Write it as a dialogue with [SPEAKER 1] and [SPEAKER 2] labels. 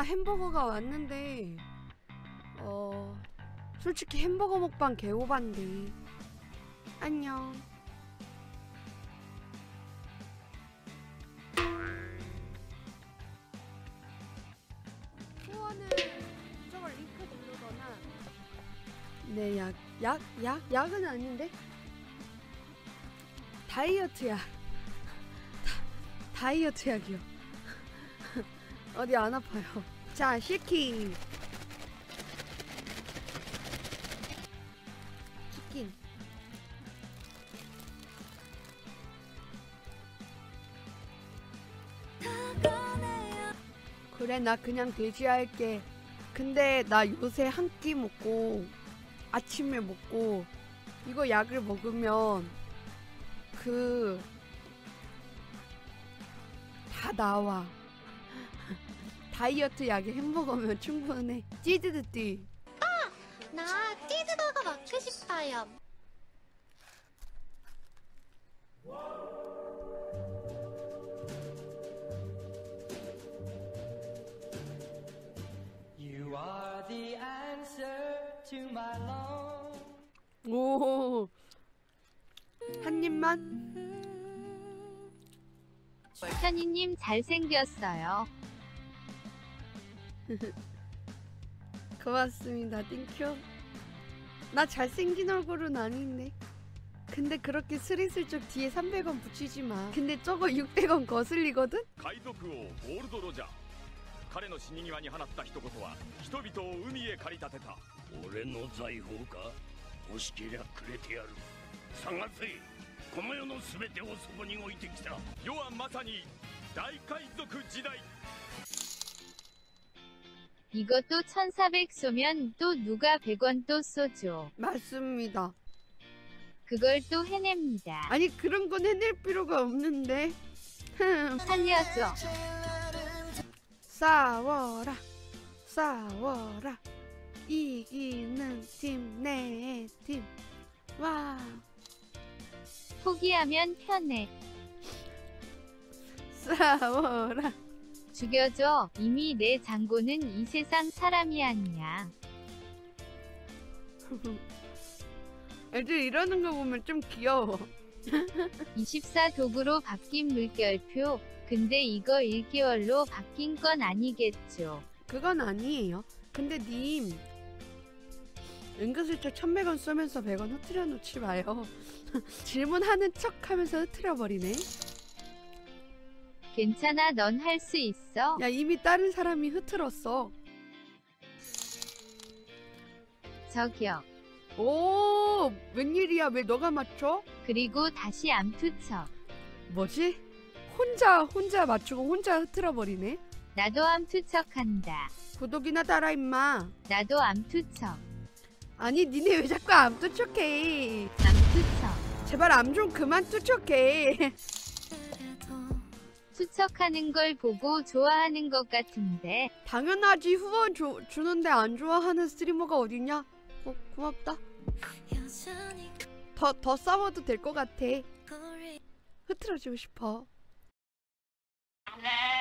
[SPEAKER 1] 햄버거가 왔는데 솔직히 햄버거 먹방 개오반데. 안녕. 후원은 저걸 링크 누르거나. 네, 약은 아닌데? 다이어트 약. 다이어트 약이요. 어디 안 아파요. 자, 치킨. 그래, 나 그냥 돼지 할게. 근데 나 요새 한 끼 먹고 아침에 먹고 이거 약을 먹으면 다 나와. 다이어트 약에 햄버거면 충분해. 찌드드띠.
[SPEAKER 2] 나 치즈버거 먹고 싶어요.
[SPEAKER 3] You are the answer to my long.
[SPEAKER 1] 오. 한 입만?
[SPEAKER 4] 현이님 잘생겼어요.
[SPEAKER 1] 고맙습니다. 땡큐. 나 잘생긴 얼굴은 아닌데. 근데 그렇게 스리슬쩍 뒤에 300원 붙이지 마. 근데 저거 600원 거슬리거든?
[SPEAKER 5] 海賊王ゴールドロジャー彼の死に際に放った一言は人々を海へ駆り立てた
[SPEAKER 6] 俺の財宝か欲しけりゃくれてやる探せこの世の全てをそこに置いてきた
[SPEAKER 5] 世はまさに大海賊時代
[SPEAKER 4] 이것도 1400 쏘면 또 누가 100원 또 쏘죠.
[SPEAKER 1] 맞습니다.
[SPEAKER 4] 그걸 또 해냅니다.
[SPEAKER 1] 아니 그런 건 해낼 필요가 없는데.
[SPEAKER 4] 살려줘.
[SPEAKER 1] 싸워라 싸워라 이기는 팀 내 팀. 와.
[SPEAKER 4] 포기하면 편해.
[SPEAKER 1] 싸워라.
[SPEAKER 4] 죽여줘. 이미 내 장고는 이 세상 사람이 아니야.
[SPEAKER 1] 애들 이러는 거 보면 좀 귀여워.
[SPEAKER 4] 24 도구로 바뀐 물결표. 근데 이거 1개월로 바뀐 건 아니겠죠.
[SPEAKER 1] 그건 아니에요. 근데 님 은근슬쩍 1100원 쏘면서 100원 흐트려 놓지 마요. 질문하는 척 하면서 흐트려 버리네.
[SPEAKER 4] 괜찮아, 넌 할 수 있어.
[SPEAKER 1] 야, 이미 다른 사람이 흐트렀어.
[SPEAKER 4] 저기요.
[SPEAKER 1] 오, 웬일이야? 왜 너가 맞춰?
[SPEAKER 4] 그리고 다시 암투척.
[SPEAKER 1] 뭐지? 혼자 맞추고 혼자 흐트러 버리네.
[SPEAKER 4] 나도 암투척한다.
[SPEAKER 1] 구독이나 달아 임마.
[SPEAKER 4] 나도 암투척.
[SPEAKER 1] 아니 니네 왜 자꾸 암 투척해?
[SPEAKER 4] 암투척.
[SPEAKER 1] 제발 암 좀 그만 투척해.
[SPEAKER 4] 투척하는 걸 보고 좋아하는 것 같은데.
[SPEAKER 1] 당연하지. 후원 주는데 안 좋아하는 스트리머가 어딨냐? 고맙다. 더 싸워도 될 것 같아. 흐트러지고 싶어.